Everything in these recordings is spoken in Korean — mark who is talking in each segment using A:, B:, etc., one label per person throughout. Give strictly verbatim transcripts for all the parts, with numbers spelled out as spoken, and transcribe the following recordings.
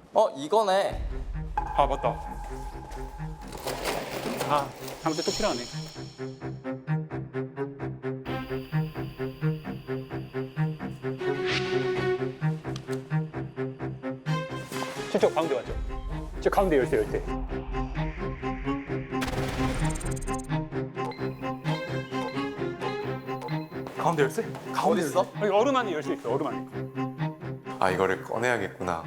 A: 어, 이거네.
B: 아 맞다. 아 다음 주에 또 필요하네. 저쪽 가운데 맞죠? 저 가운데 열쇠 열쇠.
C: 가운데 열쇠? 가운데
A: 어딨어?
B: 여기 얼음 안에 열쇠 있어. 얼음 안에.
C: 아 이거를 꺼내야겠구나.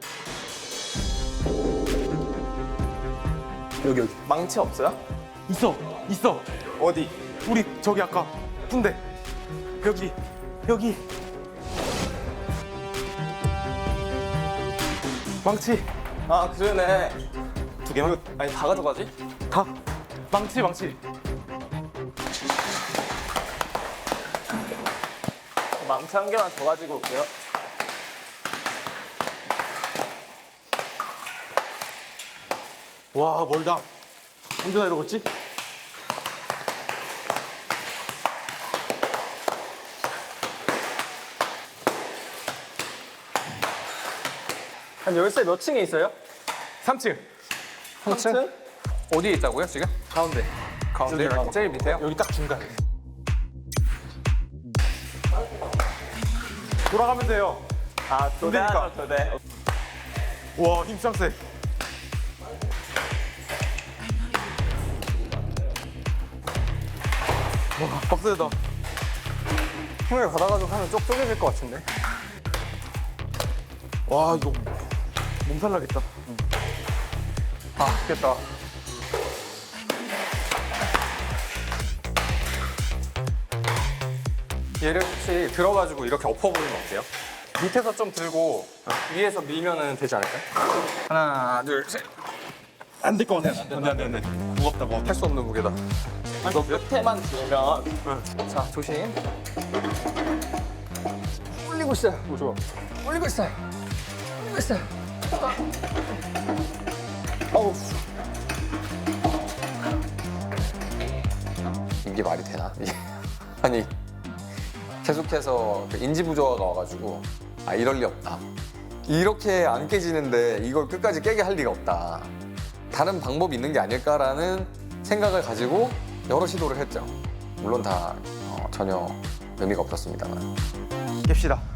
B: 여기 여기.
A: 망치 없어요?
C: 있어 있어.
A: 어디?
C: 우리 저기 아까 군대 여기 여기 망치
A: 아, 그러네.
C: 두 개만
A: 아니, 다 가져가지?
C: 다 망치 망치.
A: 망치 한 개만 더 가지고 올게요.
C: 와 멀다. 언제나 이러고 있지?
A: 한 열쇠 몇 층에 있어요?
C: 삼 층
A: 삼 층?
D: 어디에 있다고요, 지금?
A: 가운데.
D: 가운데?
A: 가운데.
D: 제일 밑에요?
C: 여기 딱 중간에. 돌아가면 돼요.
A: 아, 두 대
C: 그러니까.
A: 하죠, 두 대.
C: 와 힘 짱 세. 와 빡세다.
D: 힘을 받아가지고 하면 쪽 쪼개질 것 같은데?
C: 와 이거 몸살 나겠다.
D: 아, 죽겠다. 얘를 혹시 들어가지고 이렇게 엎어보는 거 어때요? 밑에서 좀 들고 위에서 밀면은 되지 않을까요? 하나, 둘, 셋.
C: 안 될 것 같아. 안돼 안돼 안돼. 무겁다 무겁다.
D: 할 수 없는 무게다.
A: 이거 끝에만 들면.
D: 자, 조심. 올리고 있어요. 오, 좋아. 올리고 있어요. 올리고 있어요. 어우. 이게 말이 되나? 이게 아니 계속해서 그 인지 부조화가 와가지고 아 이럴 리 없다. 이렇게 안 깨지는데 이걸 끝까지 깨게 할 리가 없다. 다른 방법이 있는 게 아닐까라는 생각을 가지고 여러 시도를 했죠. 물론 다 어, 전혀 의미가 없었습니다만.
C: 깹시다.